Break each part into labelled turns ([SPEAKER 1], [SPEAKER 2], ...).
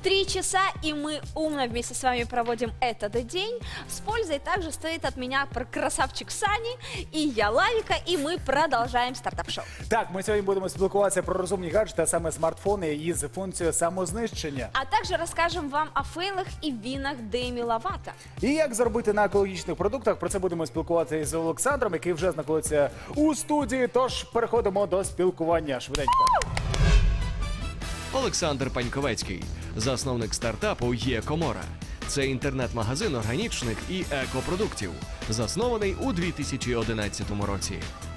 [SPEAKER 1] 3 часа, и мы умно вместе с вами проводим этот день. С пользой также стоит от меня красавчик Сани и я Лавика, и мы продолжаем стартап-шоу.
[SPEAKER 2] Так, ми сьогодні будемо спілкуватися про розумні гаджети, а саме смартфони із функцією самознищення.
[SPEAKER 1] А также расскажем вам о фейлах и винах Деми Ловато.
[SPEAKER 2] І як заробити на екологічних продуктах, про це будемо спілкуватися із Олександром, який вже знаходиться у студії, тож переходимо до спілкування швиденько.
[SPEAKER 3] Олександр Паньковецький, засновник стартапу «Є Комора». Це інтернет-магазин органічних і екопродуктів, заснований у 2011 році.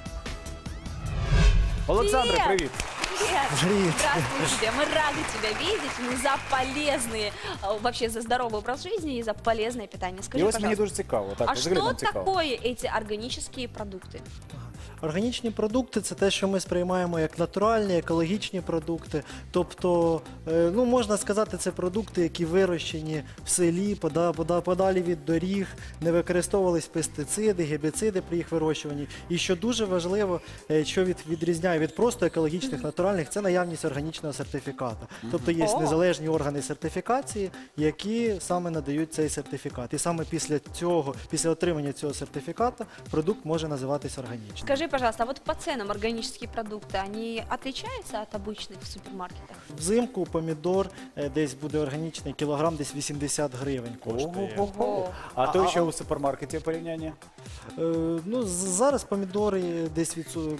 [SPEAKER 2] Олександр, привіт!
[SPEAKER 1] Привет! Здравствуй тебе! Мы рады тебя видеть. Мы за полезные, вообще за здоровый образ жизни и за полезное питание. Скажи,
[SPEAKER 2] І ось мені
[SPEAKER 1] пожалуйста,
[SPEAKER 2] дуже цікаво. Так,
[SPEAKER 1] а
[SPEAKER 2] взагалі
[SPEAKER 1] что
[SPEAKER 2] нам цікаво.
[SPEAKER 1] такое эти органические продукты?
[SPEAKER 4] Органічні продукти – це те, що ми сприймаємо як натуральні, екологічні продукти. Тобто, ну, можна сказати, це продукти, які вирощені в селі, подалі від доріг, не використовувались пестициди, гербіциди при їх вирощуванні. І що дуже важливо, що відрізняє від просто екологічних, натуральних, це наявність органічного сертифікату. Тобто є незалежні органи сертифікації, які саме надають цей сертифікат. І саме після отримання цього сертифікату продукт може називатися органічним.
[SPEAKER 1] Скажи, пожалуйста, а вот по ценам органические продукты, они отличаются от обычных в супермаркетах?
[SPEAKER 4] Взимку помідор десь буде органічний, кілограм десь 80 гривень коштує.
[SPEAKER 2] Ого. А то що у супермаркеті порівняння?
[SPEAKER 4] Ну, зараз помідори десь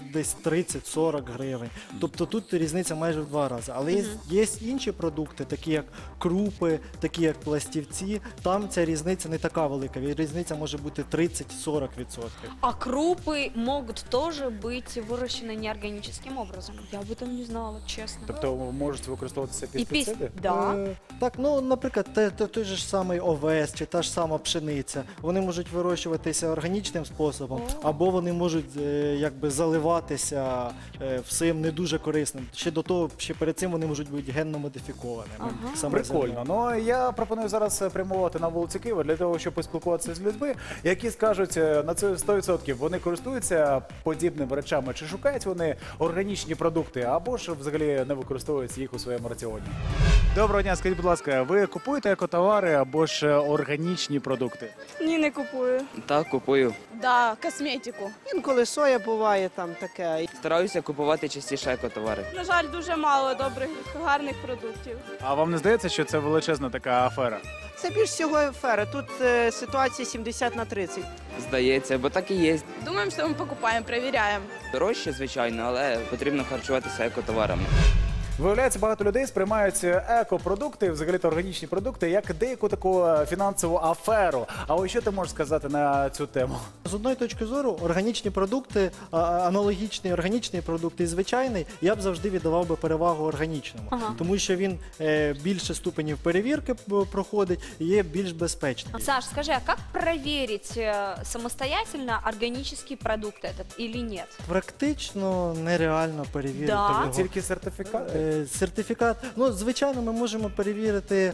[SPEAKER 4] 30-40 гривень. Тобто тут різниця майже в 2 рази. Але є інші продукти, такі як крупи, такі як пластівці. Там ця різниця не така велика. Різниця може бути 30-40%.
[SPEAKER 1] А крупы могут тоже быть выращены неорганическим образом? Я об этом не знала, честно.
[SPEAKER 2] Тобто можуть використовуватися
[SPEAKER 1] И
[SPEAKER 2] пестициди?
[SPEAKER 1] Да.
[SPEAKER 4] Так, ну, наприклад, той же ж самий овес чи та ж сама пшениця. Вони можуть вирощуватися органічним способом, або вони можуть якби заливатися всім не дуже корисним. Ще перед цим вони можуть бути генно модифікованими.
[SPEAKER 2] Прикольно. Ну, я пропоную зараз прямувати на вулиці Києва для того, щоб поспілкуватися з людьми, які скажуть на це 100%, вони користуються подібними речами, чи шукають вони органічні продукти, або ж взагалі не використовують їх у своєму раціоні. Доброго дня, скажіть, будь ласка, ви купуєте екотовари або ж органічні продукти?
[SPEAKER 5] Ні, не купую.
[SPEAKER 6] Так, купую.
[SPEAKER 5] Да, косметику.
[SPEAKER 7] Інколи соя буває там таке.
[SPEAKER 6] Стараюся купувати частіше екотовари.
[SPEAKER 5] На жаль, дуже мало добрих, гарних продуктів.
[SPEAKER 2] А вам не здається, що це величезна така афера?
[SPEAKER 7] Це більш всього афера. Тут ситуація 70/30.
[SPEAKER 6] Здається, бо так і є.
[SPEAKER 5] Думаємо, що ми покупаємо, перевіряємо.
[SPEAKER 6] Дорожче, звичайно, але потрібно харчуватися екотоварами.
[SPEAKER 2] Виявляється, багато людей сприймають екопродукти, взагалі-то органічні продукти, як деяку таку фінансову аферу. А ось що ти можеш сказати на цю тему?
[SPEAKER 4] З одної точки зору, органічні продукти, аналогічні органічні продукти і звичайний, я б завжди віддавав би перевагу органічному. Тому що він більше ступенів перевірки проходить і є більш безпечним.
[SPEAKER 1] Саш, скажи, а как проверить самостоятельно органический продукт этот или нет?
[SPEAKER 4] Практично нереально перевірити
[SPEAKER 1] Да.
[SPEAKER 4] його.
[SPEAKER 2] Тільки сертифікат?
[SPEAKER 4] Сертифікат, ну, звичайно, ми можемо перевірити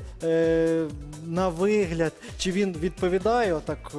[SPEAKER 4] на вигляд, чи він відповідає отак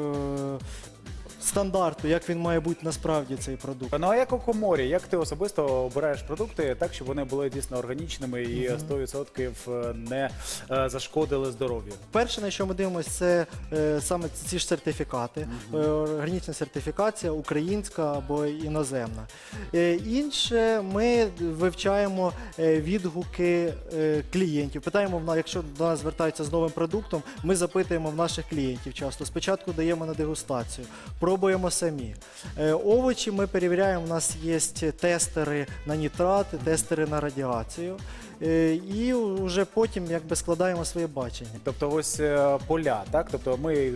[SPEAKER 4] стандарту, як він має бути насправді цей продукт.
[SPEAKER 2] Ну а як у Коморі, як ти особисто обираєш продукти так, щоб вони були дійсно органічними і 100% не зашкодили здоров'ю?
[SPEAKER 4] Перше, на що ми дивимося, це саме ці ж сертифікати. Органічна сертифікація, українська або іноземна. Інше, ми вивчаємо відгуки клієнтів. Питаємо, якщо до нас звертаються з новим продуктом, ми запитуємо в наших клієнтів часто. Спочатку даємо на дегустацію, пробуємо самі. Овочі ми перевіряємо, у нас є тестери на нітрати, тестери на радіацію. І вже потім якби складаємо своє бачення.
[SPEAKER 2] Тобто ось поля, так? Тобто ми їх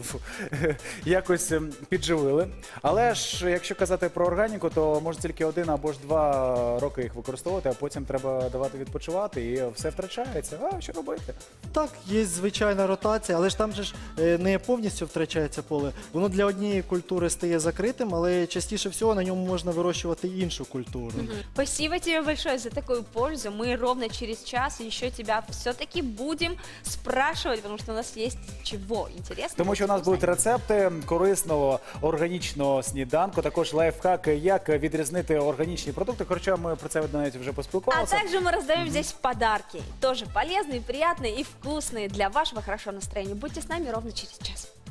[SPEAKER 2] якось підживили. Але ж, якщо казати про органіку, то може тільки 1 або ж 2 роки їх використовувати, а потім треба давати відпочивати і все втрачається. А що робити?
[SPEAKER 4] Так, є звичайна ротація, але ж там же ж не повністю втрачається поле. Воно для однієї культури стає закритим, але частіше всього на ньому можна вирощувати іншу культуру.
[SPEAKER 1] Спасибо тебе большое за такую пользу. Мы робимо ровно через час еще тебя все-таки будем спрашивать, потому что у нас есть чего интересного.
[SPEAKER 2] Тому що у нас будуть рецепти корисного органічного сніданку, також лайфхаки, як відрізнити органічні продукти. Хоча ми про це навіть вже
[SPEAKER 1] А
[SPEAKER 2] поспілкувалися.
[SPEAKER 1] также мы раздаем здесь подарки, тоже полезные, приятные и вкусные для вашего хорошего настроения. Будьте с нами ровно через час.